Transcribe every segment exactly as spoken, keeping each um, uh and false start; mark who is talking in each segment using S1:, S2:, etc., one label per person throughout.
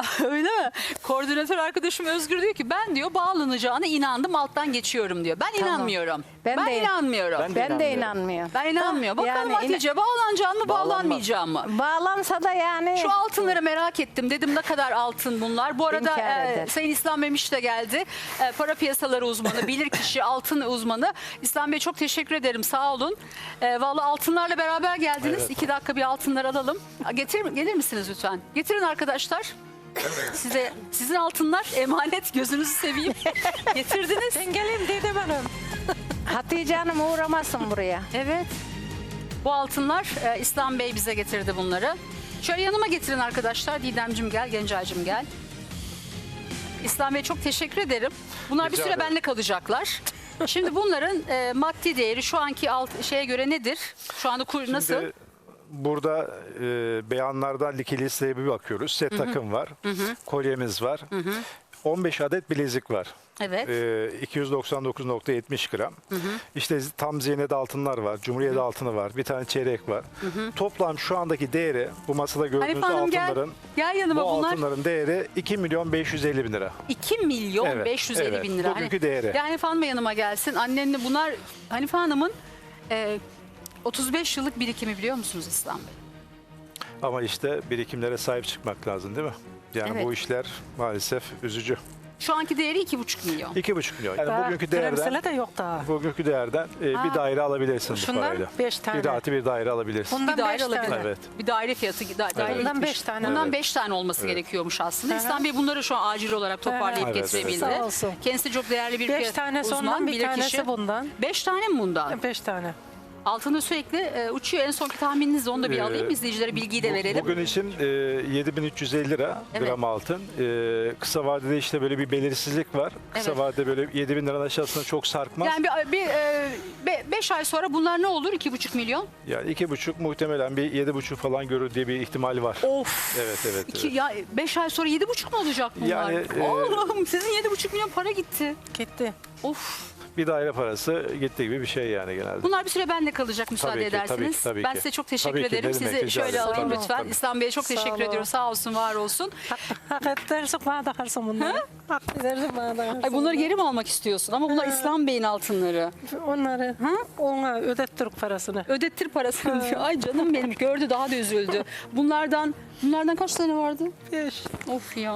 S1: Öyle mi? Koordinatör arkadaşım Özgür diyor ki ben diyor bağlanacağına inandım, alttan geçiyorum diyor. Ben
S2: Tamam.
S1: inanmıyorum. Ben,
S2: Ben de-
S1: inanmıyorum.
S3: Ben
S1: Ben,
S3: de
S2: Ben de
S3: inanmıyorum.
S2: inanmıyorum.
S1: inanmıyorum. Bakalım
S2: Yani
S1: Hatice bağlanacağım mı,
S3: Bağlanmaz.
S1: bağlanmayacağım mı?
S2: Bağlansa da yani
S1: Şu altınları merak ettim. Dedim ne kadar altın bunlar. Bu arada
S2: İnkar
S1: e,
S2: eder.
S1: Sayın İslam Memiş de geldi. E, para piyasaları uzmanı, bilirkişi, altın uzmanı. İslam Bey çok teşekkür ederim. Sağ olun. E, vallahi altınlarla beraber geldiniz.
S3: Evet.
S1: İki dakika bir altınlar alalım. Getir, gelir misiniz lütfen? Getirin arkadaşlar. Size sizin altınlar emanet, gözünüzü seveyim. Getirdiniz.
S4: Ben geleyim Didem Hanım.
S2: Hatice Hanım uğramasın buraya.
S1: Evet. Bu altınlar e, İslam Bey bize getirdi bunları. Şöyle yanıma getirin arkadaşlar. Didemcim gel, Gencaycım gel. İslam Bey çok teşekkür ederim. Bunlar bir
S3: Rica
S1: süre
S3: ederim.
S1: bende kalacaklar. Şimdi bunların e, maddi değeri şu anki alt şeye göre nedir? Şu anda kur nasıl?
S3: Şimdi burada e, beyanlardan liki listeye bir bakıyoruz. Set takım var. Kolyemiz var. on beş adet bilezik var.
S1: Evet.
S3: E, iki yüz doksan dokuz nokta yetmiş gram. İşte tam zinet altınlar var. Cumhuriyet altını var. Bir tane çeyrek var. Toplam şu andaki değeri bu masada gördüğünüz
S1: Hanife Hanım gel.
S3: altınların
S1: Gel yanıma
S3: bu
S1: bunlar.
S3: altınların değeri iki milyon beş yüz elli bin lira.
S1: iki milyon
S3: Evet,
S1: beş yüz elli
S3: evet.
S1: bin lira.
S3: Bugünkü değeri.
S1: Yani Hanife Hanım yanıma gelsin. Annenle bunlar Hanife Hanım'ın e, otuz beş yıllık birikimi biliyor musunuz İslam Bey?
S3: Ama işte birikimlere sahip çıkmak lazım değil mi? Yani
S1: Evet.
S3: bu işler maalesef üzücü.
S1: Şu anki değeri iki buçuk milyon.
S3: iki buçuk milyon. Yani
S4: Daha
S3: bugünkü değerden
S4: kremsele de yok daha.
S3: bugünkü değerden e,
S1: Ha.
S3: bir daire alabilirsin bu
S4: Şundan
S3: parayla.
S4: beş tane.
S3: Bir artı bir daire alabilirsin.
S4: Bundan
S1: Bir daire
S4: beş
S1: alabilir.
S4: tane.
S3: Evet.
S1: Bir daire fiyatı da, daire
S4: Bundan
S1: gitmiş.
S4: beş tane.
S1: Bundan
S3: Evet.
S1: beş tane olması
S3: Evet.
S1: gerekiyormuş aslında.
S4: Hı hı.
S1: İslam Bey bunları şu an acil olarak toparlayıp
S3: Evet,
S1: getirebildi.
S3: evet.
S4: Sağ olsun.
S1: Kendisi çok değerli bir
S4: Beş
S1: fiyat
S4: tanesi
S1: uzman,
S4: ondan, bir
S1: bilir
S4: tanesi
S1: kişi.
S4: bundan.
S1: Beş tane mi bundan?
S4: Beş tane.
S1: Altında sürekli e, uçuyor. En sonki tahmininizi onu da bir
S3: Ee,
S1: alayım. İzleyicilere bilgiyi de
S3: Bu-
S1: verelim.
S3: Bugün için e, yedi bin üç yüz elli lira
S1: Evet.
S3: gram altın. E, kısa vadede işte böyle bir belirsizlik var. Kısa
S1: Evet.
S3: vadede böyle yedi bin liranın aşağısında çok sarkmaz.
S1: Yani bir, bir e, be- beş ay sonra bunlar ne olur? İki buçuk milyon.
S3: Yani iki buçuk muhtemelen bir yedi buçuk falan görür diye bir ihtimali var.
S1: Of.
S3: Evet evet.
S1: İki,
S3: evet.
S1: ya beş ay sonra yedi buçuk mu olacak bunlar?
S3: Yani, e,
S1: Allah'ım sizin yedi buçuk milyon para gitti.
S4: Gitti.
S1: Of.
S3: Bir daire parası gitti gibi bir şey yani genelde.
S1: Bunlar bir süre bende kalacak müsaade
S3: Tabii ki,
S1: edersiniz.
S3: tabii ki, tabii
S1: ben
S3: ki.
S1: size çok teşekkür
S3: Tabii ki,
S1: ederim.
S3: ne demek,
S1: Sizi
S3: rica
S1: şöyle
S3: ederim.
S1: alayım
S3: Tabii,
S1: lütfen.
S3: tabii.
S1: İslam Bey'e çok
S4: Sağ
S1: teşekkür
S4: olun.
S1: ediyorum. Sağ olsun, var olsun.
S4: Hak, hak edersin bana takarsın bunları. Hak edersin bana takarsın.
S1: Ay bunları geri mi almak istiyorsun? Ama bunlar İslam Bey'in altınları.
S4: Onları ona ödettirip parasını.
S1: Ödettir parasını diyor. Ay canım benim, gördü daha da üzüldü. Bunlardan bunlardan kaç tane vardı?
S4: Beş.
S1: Of ya.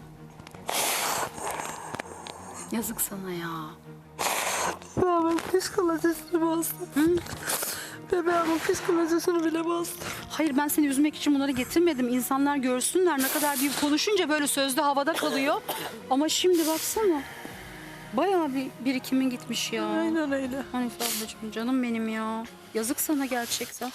S1: Yazık sana ya.
S4: Bebeğimin psikolojisini bastı. Bebeğimin psikolojisini bile bastı.
S1: Hayır, ben seni üzmek için bunları getirmedim. İnsanlar görsünler ne kadar bir konuşunca böyle sözde havada kalıyor. Ama şimdi baksana. Bayağı bir birikimin gitmiş ya.
S4: Aynen öyle.
S1: Hanife ablacığım, canım benim ya. Yazık sana gerçekten.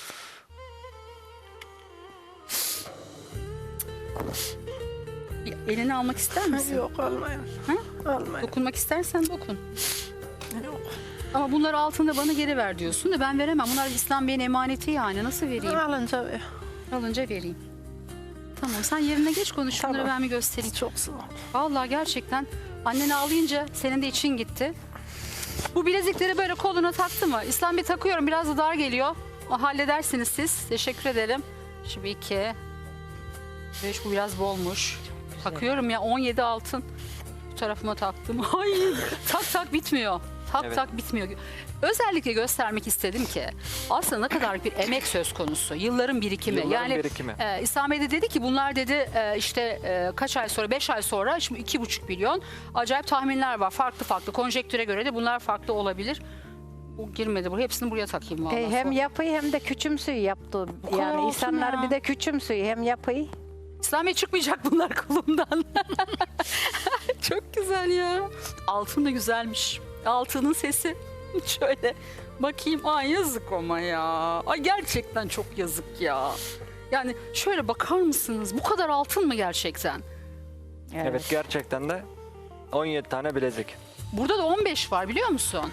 S1: Bir elini almak ister misin?
S4: Yok almayın.
S1: Hı?
S4: Almayın.
S1: Dokunmak istersen dokun.
S4: Yok.
S1: Ama bunları altında bana geri ver diyorsun da ben veremem. Bunlar İslam Bey'in emaneti yani. Nasıl vereyim?
S4: Alınca ver.
S1: Alınca vereyim. Tamam, sen yerine geç, konuş. Şunları
S4: Tamam.
S1: ben bir göstereyim.
S4: Çok sağ ol.
S1: Vallahi gerçekten annen ağlayınca senin de için gitti. Bu bilezikleri böyle koluna taktı mı? İslam Bey takıyorum, biraz da dar geliyor. O, halledersiniz siz. Teşekkür ederim. Şimdi iki. Beş, bu biraz bolmuş. Takıyorum ya, on yedi altın. Bu tarafıma taktım. Ay, tak tak bitmiyor. Tak
S5: Evet.
S1: tak bitmiyor. Özellikle göstermek istedim ki aslında ne kadar bir emek söz konusu. Yılların birikimi.
S5: Yılların
S1: yani
S5: birikimi.
S1: e, İslam Bey de dedi ki bunlar dedi e, işte e, kaç ay sonra, beş ay sonra şimdi iki buçuk milyon. Acayip tahminler var. Farklı farklı. Konjektüre göre de bunlar farklı olabilir. Bu girmedi buraya. Hepsini buraya takayım vallahi.
S2: E, hem
S1: Sonra-
S2: yapıyı hem de küçümsüyü yaptı.
S1: kadar
S2: Yani
S1: olsun
S2: insanlar
S1: ya.
S2: bir de küçümsüyü hem yapıyı.
S1: İslam Bey çıkmayacak bunlar kolumdan. Çok güzel ya. Altın da güzelmiş. Altının sesi. Şöyle bakayım. Ay yazık ama ya. Ay gerçekten çok yazık ya. Yani şöyle bakar mısınız? Bu kadar altın mı gerçekten?
S5: Evet, gerçekten de on yedi tane bilezik.
S1: Burada da on beş var biliyor musun?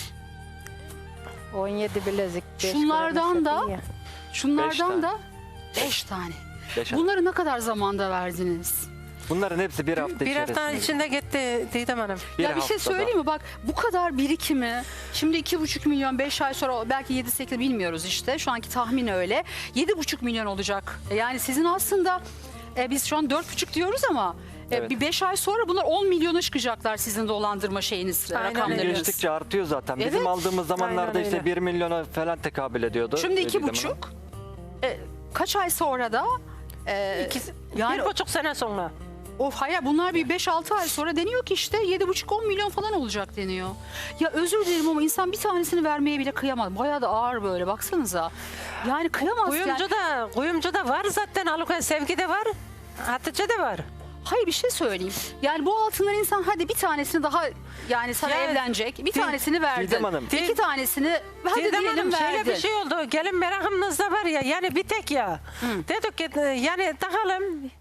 S2: on yedi bilezik. beş
S1: Şunlardan
S2: gram
S1: da-
S2: eşya ya.
S1: Şunlardan
S5: tane.
S1: da beş tane.
S5: Beş
S1: Bunları ne kadar zamanda verdiniz?
S5: Bunların hepsi bir hafta
S4: Bir
S5: içerisinde.
S4: haftanın içinde gitti Didem Hanım.
S1: ya bir şey
S5: haftada.
S1: söyleyeyim mi? Bak bu kadar birikimi, şimdi iki buçuk milyon, beş ay sonra belki yedi sekiz bilmiyoruz işte. Şu anki tahmin öyle. Yedi buçuk milyon olacak. Yani sizin aslında e, biz şu an dört buçuk diyoruz ama e,
S5: Evet.
S1: bir beş ay sonra bunlar on milyona çıkacaklar sizin dolandırma şeyiniz,
S4: Aynen öyle.
S1: rakamlarınız.
S5: Geçtikçe artıyor zaten. Bizim
S1: Evet.
S5: aldığımız zamanlarda
S4: Aynen
S5: işte
S4: öyle.
S5: bir milyona falan tekabül ediyordu.
S1: Şimdi iki
S5: Didem Hanım.
S1: buçuk. E, kaç ay sonra da e,
S4: İkisi,
S1: yani
S4: bir buçuk sene sonra.
S1: of hayır bunlar bir beş altı ay sonra deniyor ki işte yedi buçuk on milyon falan olacak deniyor. Ya özür dilerim ama insan bir tanesini vermeye bile kıyamaz. Bayağı da ağır böyle baksanıza. Yani kıyamaz yani.
S4: Kuyumcu da, kuyumcu da var zaten. Alukan Sevgi de var. Hatice de var.
S1: Hayır bir şey söyleyeyim. Yani bu altınlar insan hadi bir tanesini daha yani sana
S4: Ya,
S1: evlenecek. Bir
S4: Di-
S1: tanesini verdin.
S5: Didem Hanım.
S1: İki tanesini hadi
S4: Didem
S1: diyelim
S4: Hanım,
S1: verdin.
S4: şöyle bir şey oldu. Gelin merakımızda var ya. Yani bir tek ya. Dedik ki yani takalım.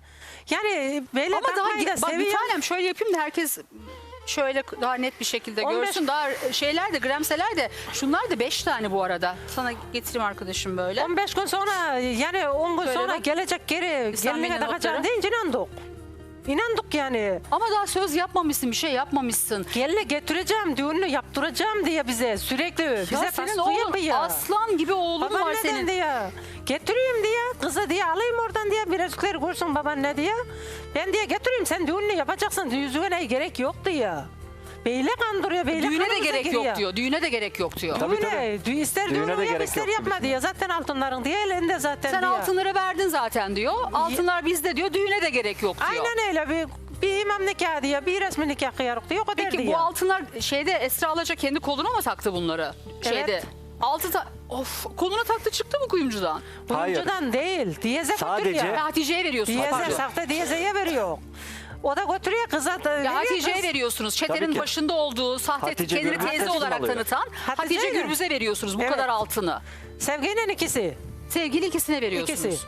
S4: Yani böyle
S1: Ama daha
S4: takmayı da
S1: bak bir
S4: seviyorum.
S1: tanem şöyle yapayım da herkes şöyle daha net bir şekilde
S4: on beş
S1: görsün. Daha şeyler de gramseler de şunlar da beş tane bu arada. Sana getireyim arkadaşım böyle.
S4: on beş gün sonra yani on gün
S1: Şöyle
S4: sonra
S1: bak.
S4: gelecek geri
S1: İslam
S4: geline
S1: Bey'in
S4: takacağım
S1: notları.
S4: deyince inandık. İnandık yani.
S1: Ama daha söz yapmamışsın, bir şey yapmamışsın.
S4: Geline getireceğim, düğününü yaptıracağım diye bize sürekli bize
S1: Ya senin
S4: baskı
S1: oğlun
S4: yapıyor.
S1: aslan gibi oğlun
S4: Baban
S1: var
S4: neden
S1: senin.
S4: diye. Getireyim diye. Kızı diye alayım oradan diye. Birazcıkları görsün baban ne diye. Ben diye getireyim sen düğününü yapacaksın. Yüzüğüne gerek yok diye. Beyle kandırıyor. Beyle
S1: Düğüne de
S4: kanımıza
S1: gerek
S4: giriyor.
S1: yok diyor. Düğüne de gerek yok diyor.
S5: Tabii,
S4: Düğüne, dü- ister
S5: Düğüne
S4: düğünü
S5: de
S4: yap
S5: gerek
S4: ister
S5: yoktu
S4: yapma
S5: bizim.
S4: diye. Zaten altınların diye elinde zaten
S1: Sen
S4: diye.
S1: altınları verdin zaten diyor. Altınlar bizde diyor. Düğüne de gerek yok diyor.
S4: Aynen öyle bir, bir imam nikahı diye bir resmi nikah kıyarık diye o kadar
S1: Peki
S4: diye.
S1: bu altınlar şeyde Esra Alaca kendi koluna mı taktı bunları? Şeyde.
S4: Evet.
S1: Altı ta of koluna taktı çıktı mı kuyumcudan?
S4: Kuyumcudan değil. Diyeze
S5: Sadece-
S4: götürüyor.
S1: Ya Hatice'ye veriyorsunuz.
S4: Diyeze,
S1: pardon.
S4: sahte diyezeye veriyor. O da götürüyor kıza da
S1: Ya
S4: veriyor
S1: Hatice'ye
S4: kız.
S1: veriyorsunuz.
S5: Tabii
S1: Çetenin
S5: ki.
S1: başında olduğu sahte
S5: Hatice
S1: kendini
S5: Gürbüz
S1: teyze
S5: teslim
S1: olarak
S5: alıyor.
S1: tanıtan
S4: Hatice
S1: Hatice
S4: ile.
S1: Gürbüz'e veriyorsunuz bu
S4: Evet.
S1: kadar altını.
S4: Sevgi'nin ikisi.
S1: Sevgili ikisine veriyorsunuz.
S4: İkisi.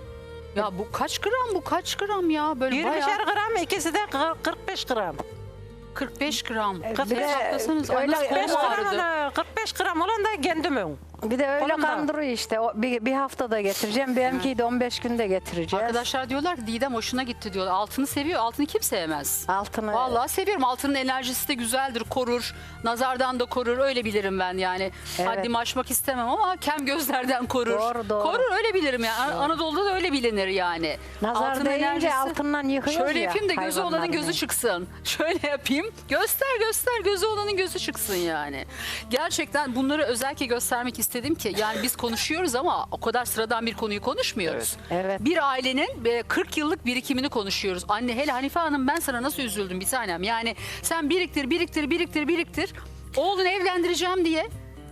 S1: Ya bu kaç gram bu kaç gram ya böyle
S4: yirmişer
S1: bayağı
S4: gram, ikisi de kır- kırk beş gram.
S1: kırk beş gram.
S2: Bir de
S1: Hesaplasanız, ay
S2: öyle-
S1: nasıl
S4: kırk beş
S1: kolum
S4: gram,
S1: ağrıdı.
S4: ona- kırk beş gram olan da kendimin.
S2: Bir de öyle
S4: Kolumdan.
S2: kandırıyor işte. O, bir, bir haftada getireceğim. Benimkiyi de on beş günde getireceğiz.
S1: Arkadaşlar diyorlar ki Didem hoşuna gitti diyorlar. Altını seviyor. Altını kim sevmez?
S2: Altını
S1: Vallahi seviyorum. Altının enerjisi de güzeldir, korur. Nazardan da korur. Öyle bilirim ben yani.
S2: Evet.
S1: Haddimi aşmak istemem ama kem gözlerden korur.
S2: Doğru, doğru.
S1: Korur öyle bilirim yani. An- Anadolu'da da öyle bilinir yani.
S2: nazar
S1: Altın
S2: deyince
S1: enerjisi-
S2: altından yıkıyoruz
S1: Şöyle
S2: ya.
S1: yapayım da gözü olanın
S2: hayvanların.
S1: gözü çıksın. Şöyle yapayım. Göster göster gözü olanın gözü çıksın yani. Gerçekten bunları özellikle göstermek istedim ki yani biz konuşuyoruz ama o kadar sıradan bir konuyu konuşmuyoruz.
S2: Evet. Evet.
S1: Bir ailenin e, kırk yıllık birikimini konuşuyoruz. Anne hele Hanife Hanım ben sana nasıl üzüldüm bir tanem. Yani sen biriktir biriktir biriktir biriktir. Oğlunu evlendireceğim diye.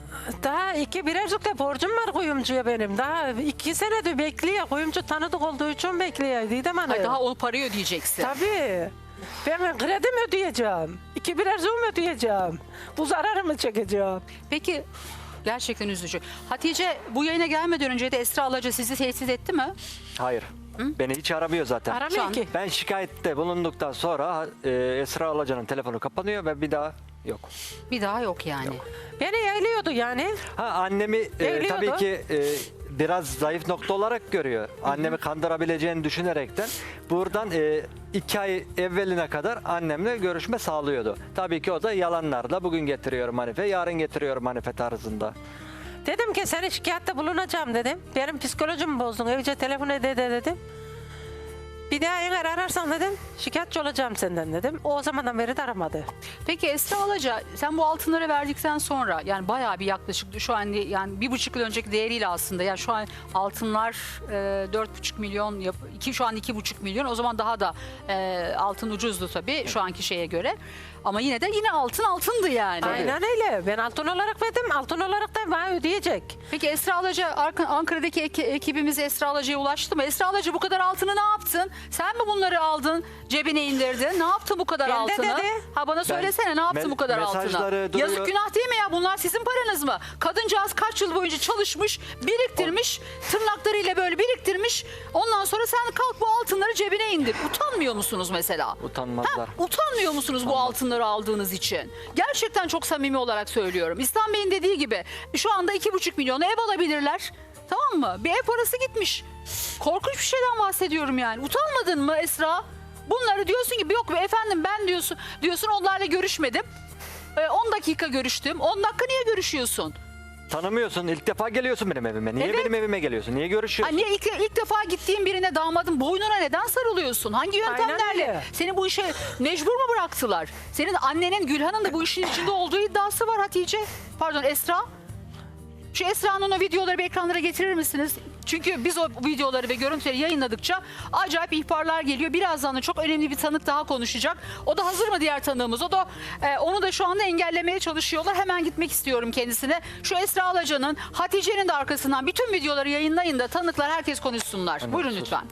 S4: Daha iki birazcık da borcum var kuyumcuya benim. Daha iki senedir bekliyor. Kuyumcu tanıdık olduğu için bekliyor. Didem Hanım.
S1: Ay daha o parayı ödeyeceksin.
S4: Tabii. Ben kredi mi ödeyeceğim? İki birazcık mı ödeyeceğim? Bu zararı mı çekeceğim?
S1: Peki gerçekten üzücü. Hatice bu yayına gelmeden önce de Esra Alaca sizi tehdit etti mi?
S5: Hayır. Beni hiç aramıyor zaten.
S1: Şu
S4: Aramıyor
S1: an-
S4: ki.
S5: Ben şikayette bulunduktan sonra e, Esra Alaca'nın telefonu kapanıyor ve bir daha yok.
S1: Bir daha yok yani.
S4: Beni yayılıyordu yani.
S5: Ha annemi e,
S4: Evliyordu.
S5: tabii ki e, biraz zayıf nokta olarak görüyor. Annemi kandırabileceğini düşünerekten buradan e, iki ay evveline kadar annemle görüşme sağlıyordu. Tabii ki o da yalanlarla bugün getiriyorum Hanife, yarın getiriyorum Hanife tarzında.
S4: Dedim ki seni şikayette bulunacağım dedim. Benim psikolojimi bozdun. Evce telefon ede de dedim. Bir daha eğer ararsan dedim şikayetçi olacağım senden dedim. O zamandan beri de aramadı.
S1: Peki Esra Alaca sen bu altınları verdikten sonra yani bayağı bir yaklaşık şu an yani bir buçuk yıl önceki değeriyle aslında yani şu an altınlar e, dört buçuk milyon yap, iki şu an iki buçuk milyon o zaman daha da e, altın ucuzdu tabii şu anki şeye göre ama yine de yine altın altındı yani.
S4: Aynen öyle. Ben altın olarak verdim. Altın olarak da bana ödeyecek.
S1: Peki Esra Alaca Arka- Ankara'daki eki- ekibimiz Esra Alaca'ya ulaştı mı? Esra Alaca bu kadar altını ne yaptın? Sen mi bunları aldın cebine indirdin? Ne yaptın bu kadar
S4: Ben de
S1: altını?
S4: dedi.
S1: Ha bana söylesene ne yaptın
S5: me-
S1: bu kadar altını?
S5: mesajları duruyor.
S1: Yazık günah değil mi ya? Bunlar sizin paranız mı? Kadıncağız kaç yıl boyunca çalışmış, biriktirmiş, tırnaklarıyla böyle biriktirmiş. Ondan sonra sen kalk bu altınları cebine indir. Utanmıyor musunuz mesela?
S5: Utanmazlar.
S1: Utanmıyor musunuz bu altınları aldığınız için? Gerçekten çok samimi olarak söylüyorum. İslam Bey'in dediği gibi şu anda iki buçuk milyona ev alabilirler. Tamam mı? Bir ev parası gitmiş. Korkunç bir şeyden bahsediyorum yani. Utanmadın mı Esra? Bunları diyorsun ki yok be efendim ben diyorsun diyorsun onlarla görüşmedim. Ee, on dakika görüştüm. on dakika niye görüşüyorsun?
S5: Tanımıyorsun. İlk defa geliyorsun benim evime. Niye
S1: Evet.
S5: benim evime geliyorsun? Niye görüşüyorsun?
S1: Anne ilk, ilk defa gittiğin birine damadın boynuna neden sarılıyorsun? Hangi yöntemlerle?
S4: öyle.
S1: Seni bu işe mecbur mu bıraktılar? Senin annenin Gülhan'ın da bu işin içinde olduğu iddiası var Hatice. Pardon Esra. Şu Esra'nın o videoları bir ekranlara getirir misiniz? Çünkü biz o videoları ve görüntüleri yayınladıkça acayip ihbarlar geliyor. Birazdan da çok önemli bir tanık daha konuşacak. O da hazır mı diğer tanığımız? O da e, onu da şu anda engellemeye çalışıyorlar. Hemen gitmek istiyorum kendisine. Şu Esra Alaca'nın, Hatice'nin de arkasından bütün videoları yayınlayın da tanıklar herkes konuşsunlar. Buyurun
S5: sus.
S1: lütfen.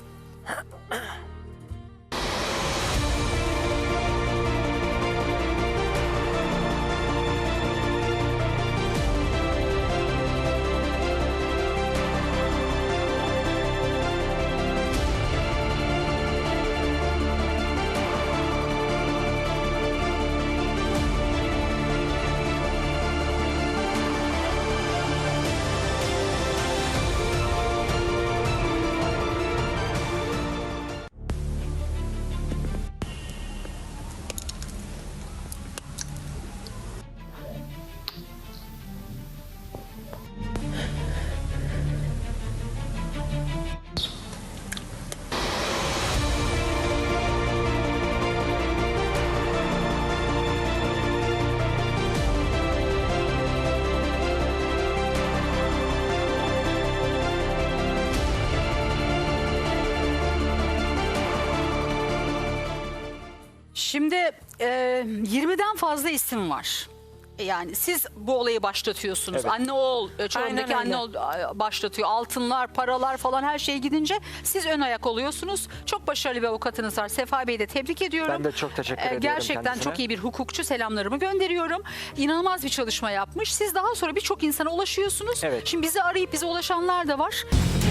S1: Şimdi e, yirmiden fazla isim var. Yani siz bu olayı başlatıyorsunuz.
S5: Evet.
S1: Anne oğul, e, Çorum'daki
S4: Aynen
S1: anne
S4: öyle.
S1: oğul e, başlatıyor. Altınlar, paralar falan her şey gidince siz ön ayak oluyorsunuz. Çok başarılı bir avukatınız var. Sefa Bey'i de tebrik ediyorum.
S5: Ben de çok teşekkür
S1: E,
S5: ediyorum
S1: Gerçekten
S5: kendisine.
S1: çok iyi bir hukukçu. Selamlarımı gönderiyorum. İnanılmaz bir çalışma yapmış. Siz daha sonra birçok insana ulaşıyorsunuz.
S5: Evet.
S1: Şimdi bizi arayıp bize ulaşanlar da var.